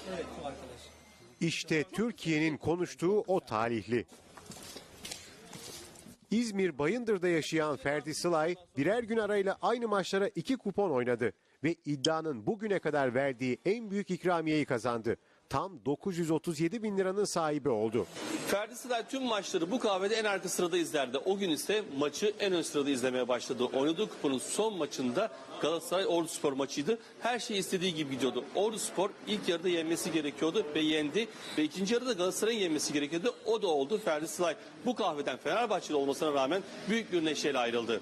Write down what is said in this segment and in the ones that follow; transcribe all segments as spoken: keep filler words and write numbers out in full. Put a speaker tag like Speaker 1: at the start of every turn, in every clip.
Speaker 1: Evet, şu arkadaş.
Speaker 2: İşte Türkiye'nin konuştuğu o talihli. İzmir Bayındır'da yaşayan Ferdi Sılay birer gün arayla aynı maçlara iki kupon oynadı ve iddianın bugüne kadar verdiği en büyük ikramiyeyi kazandı. Tam dokuz yüz otuz yedi bin liranın sahibi oldu.
Speaker 3: Ferdi Sılay tüm maçları bu kahvede en arka sırada izlerdi. O gün ise maçı en ön sırada izlemeye başladı. Oynadığı kuponun son maçında Galatasaray Orduspor maçıydı. Her şey istediği gibi gidiyordu. Orduspor ilk yarıda yenmesi gerekiyordu ve yendi. Ve ikinci yarıda Galatasaray'ın yenmesi gerekiyordu. O da oldu. Ferdi Sılay bu kahveden Fenerbahçeli olmasına rağmen büyük bir neşeyle ayrıldı.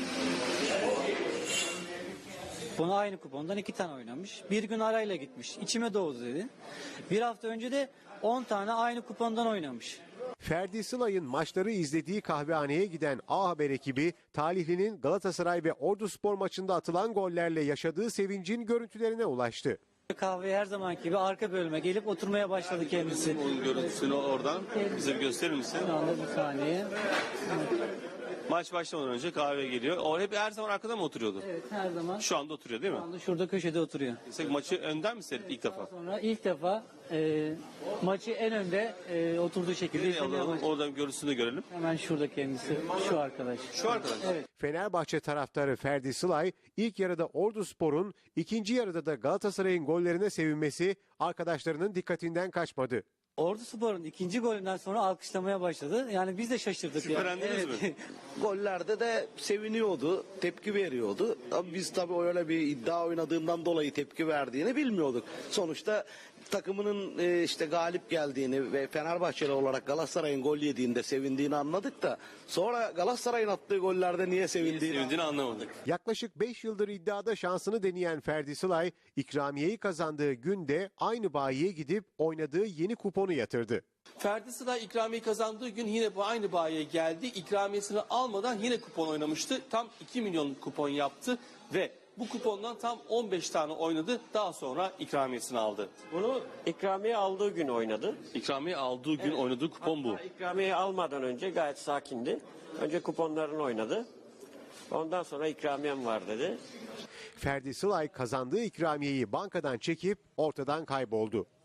Speaker 1: Bunu aynı kupondan iki tane oynamış. Bir gün arayla gitmiş. İçime doğdu dedi. Bir hafta önce de on tane aynı kupondan oynamış.
Speaker 2: Ferdi Sılay'ın maçları izlediği kahvehaneye giden A Haber ekibi talihlinin Galatasaray ve Orduspor maçında atılan gollerle yaşadığı sevincin görüntülerine ulaştı.
Speaker 1: Kahveye her zamanki gibi arka bölüme gelip oturmaya başladı kendisi.
Speaker 3: Onun görüntüsünü oradan bize bir gösterir misin?
Speaker 1: Şu anda bir saniye.
Speaker 3: Maç başlamadan önce kahve geliyor. O hep her zaman arkada mı oturuyordu?
Speaker 1: Evet, her zaman.
Speaker 3: Şu anda oturuyor değil mi?
Speaker 1: Şu anda şurada köşede oturuyor.
Speaker 3: Mesela maçı önden mi seyretti ilk defa?
Speaker 1: Sonra ilk defa e, maçı en önde e, oturduğu şekilde
Speaker 3: Nereye
Speaker 1: izlemeye
Speaker 3: alalım?
Speaker 1: başladı.
Speaker 3: Oradan görüntüsünü görelim.
Speaker 1: Hemen şurada kendisi. Şu arkadaş.
Speaker 3: Şu arkadaş.
Speaker 1: Evet.
Speaker 2: Fenerbahçe taraftarı Ferdi Sılay ilk yarıda Orduspor'un, ikinci yarıda da Galatasaray'ın gollerine sevinmesi arkadaşlarının dikkatinden kaçmadı.
Speaker 1: Orduspor'un ikinci golünden sonra alkışlamaya başladı. Yani biz de şaşırdık.
Speaker 3: Şüphelendiniz
Speaker 1: yani.
Speaker 3: mi?
Speaker 4: Gollerde de seviniyordu, tepki veriyordu. Ama biz tabii öyle bir iddia oynadığından dolayı tepki verdiğini bilmiyorduk. Sonuçta takımının e, işte galip geldiğini ve Fenerbahçeli olarak Galatasaray'ın gol yediğinde sevindiğini anladık da sonra Galatasaray'ın attığı gollerde niye sevindiğini
Speaker 3: Sevindiğini anlamadık.
Speaker 2: Yaklaşık beş yıldır iddiada şansını deneyen Ferdi Sılay, ikramiyeyi kazandığı günde aynı bayiye gidip oynadığı yeni kuponu yatırdı.
Speaker 3: Ferdi Sılay ikramiye kazandığı gün yine bu aynı bayiye geldi. İkramiyesini almadan yine kupon oynamıştı. Tam iki milyon kupon yaptı ve bu kupondan tam on beş tane oynadı. Daha sonra ikramiyesini aldı.
Speaker 5: Bunu ikramiye aldığı gün oynadı.
Speaker 3: İkramiye aldığı gün oynadığı kupon bu.
Speaker 5: Hatta ikramiye almadan önce gayet sakindi. Önce kuponlarını oynadı. Ondan sonra ikramiyem var dedi.
Speaker 2: Ferdi Sılay kazandığı ikramiyeyi bankadan çekip ortadan kayboldu.